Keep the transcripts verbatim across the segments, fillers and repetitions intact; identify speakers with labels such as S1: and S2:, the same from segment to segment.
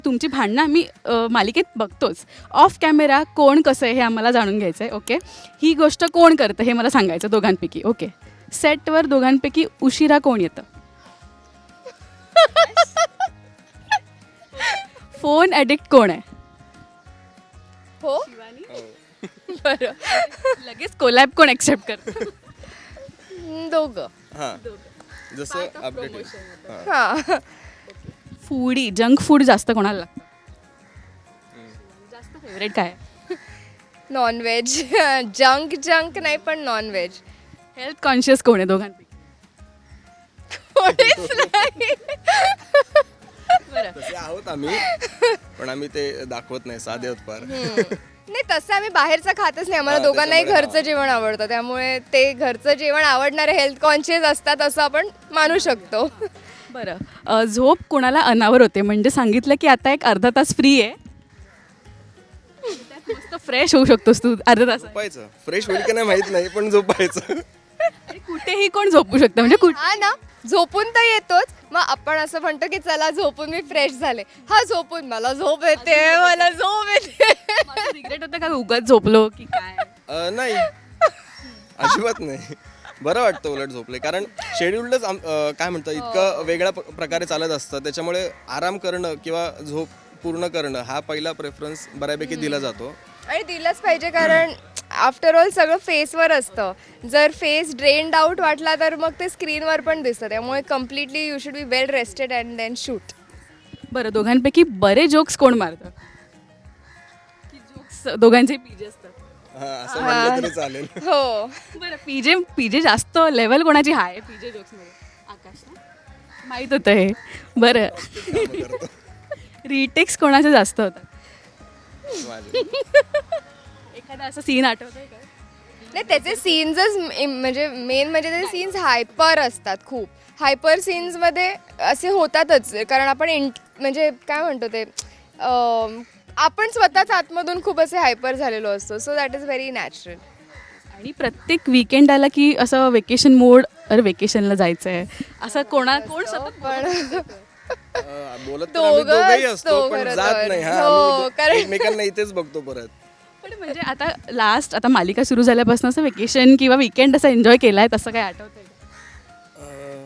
S1: तुमची भांडणं आम्ही अ, मालिकेत बघतोच. ऑफ कॅमेरा कोण कसं आहे हे आम्हाला जाणून घ्यायचं आहे. ओके, ही गोष्ट कोण करतं हे मला सांगायचं दोघांपैकी. ओके, सेटवर दोघांपैकी उशिरा कोण येतं? फोन ॲडिक्ट कोण आहे?
S2: हो
S1: बरं, लगेच कोलॅब कोण ॲक्सेप्ट करतं?
S2: हम्म, दोघं.
S3: हां जसं अपडेट
S2: हां
S1: फूडी जंक फूड जास्त कोणाला लागतं? जास्त फेवरेट काय आहे?
S2: नॉनव्हेज. जंक जंक नाही पण नॉनव्हेज.
S1: हेल्थ कॉन्शियस कोण आहे दोघांपैकी?
S2: कोणीच नाही.
S1: बरं,
S3: तसे आहोत आम्ही पण आम्ही ते दाखवत नाही साधे आहोत फार.
S2: नाही तसं आम्ही बाहेरचं खातच नाही. आम्हाला
S3: हां,
S2: दोघांनाही
S3: त्याच्यामुळे
S2: घरचं जेवण आवडतं, त्यामुळे ते घरचं जेवण आवडणारे हेल्थ कॉन्शियस असतात असं आपण मानू शकतो.
S1: बरं. अ, झोप कोणाला अनावर होते म्हणजे सांगितलं की आता एक अर्धा तास फ्री आहे, त्यात मस्त फ्रेश होऊ शकतोस तू अर्धा तास.
S3: झोपायचं फ्रेश होईल की नाही माहित नाही पण झोपायचं.
S1: आणि कुठेही कोण झोपू शकतं म्हणजे कुठे.
S2: हा ना, झोपून तर येतोच. मग आपण असं म्हणतो की चला झोपून मी फ्रेश झाले. हा झोपून मला झोप येते, मला झोप येते.
S1: रिग्रेट होतं का उगाच झोपलो की काय?
S3: अ, नाही अजिबात नाही. बरं वाटतं उलट झोपले कारण शेड्यूलच काय म्हणतात इतकं वेगळ्या प- प्रकारे चालत असतं, त्याच्यामुळे आराम करणं किंवा झोप पूर्ण करणं हा पहिला प्रेफरन्स बऱ्यापैकी दिला जातो.
S2: आणि दिलंच पाहिजे कारण आफ्टर ऑल सगळं फेसवर असतं. जर फेस ड्रेन्ड आउट वाटला तर मग ते स्क्रीनवर पण दिसतं. त्यामुळे completely you should be well rested and then shoot.
S1: बरं, दोघांपैकी बरे जोक्स कोण मारतं? की जोक्स दोघांचे पीजे असतात?
S3: हा असं म्हणलं तरी चालेल.
S2: हो.
S1: बरं, पीजे पीजे जास्त लेवल कोणाची हाय पीजे जोक्समध्ये? आकाश ना? माहीत होतं हे. बरं,
S3: कामं करतो
S1: रिटेक्स कोणाचे जास्त होतात?
S3: माझे.
S1: एखादा असं सीन आठवतंय का?
S2: नाही त्याचे सीन्सच म्हणजे मेन म्हणजे ते सीन्स हायपर असतात खूप. हायपर सीन्समध्ये असे होतातच कारण आपण इंट म्हणजे काय म्हणतो ते अं, आपण स्वतःच आतमधून खूप असे हायपर झालेलो असतो. So that is very natural.
S1: आणि प्रत्येक वीकेंड आला की असं वेकेशन मोड, अरे वेकेशनला जायचं आहे असं कोणा कोण सतत
S2: पण
S3: अ, बोलत तर आम्ही
S2: दोघं
S3: दोघंही
S2: असतो
S3: असतो पण
S2: खरं
S3: जात
S2: तर.
S3: नाही. हा
S2: हो,
S3: आम्ही
S2: कारण-
S3: एकमेकांना इथेच बघतो परत.
S1: पण म्हणजे आता लास्ट आता मालिका सुरू झाल्यापासून असं वेकेशन किंवा वीकेंड असं एन्जॉय केलाय तसं काय आठवतंय का?
S3: अ,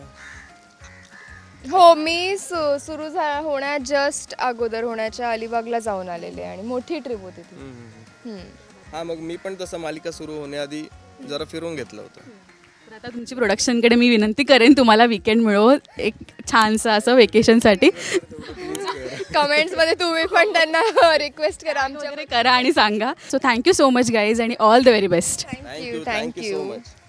S2: हो मी सु सुरू झा होण्या जस्ट अगोदर होण्याच्या अलिबागला जाऊन आलेले आणि मोठी ट्रिप होती ती.
S3: हम्म.
S2: हम्म.
S3: हा मग मी पण तसं मालिका सुरू होण्याआधी जरा फिरून घेतलं होतं.
S1: तर आता तुमची प्रोडक्शनकडे मी विनंती करेन तुम्हाला वीकेंड मिळो एक छानसं असं वेकेशनसाठी
S2: कमेंट्समध्ये तुम्ही पण त्यांना रिक्वेस्ट करा आमच्या.
S1: वगैरे करा आणि सांगा. So thank you so much guys आणि all the very best.
S2: Thank you
S3: thank you thank you so
S2: thank you.
S3: Much.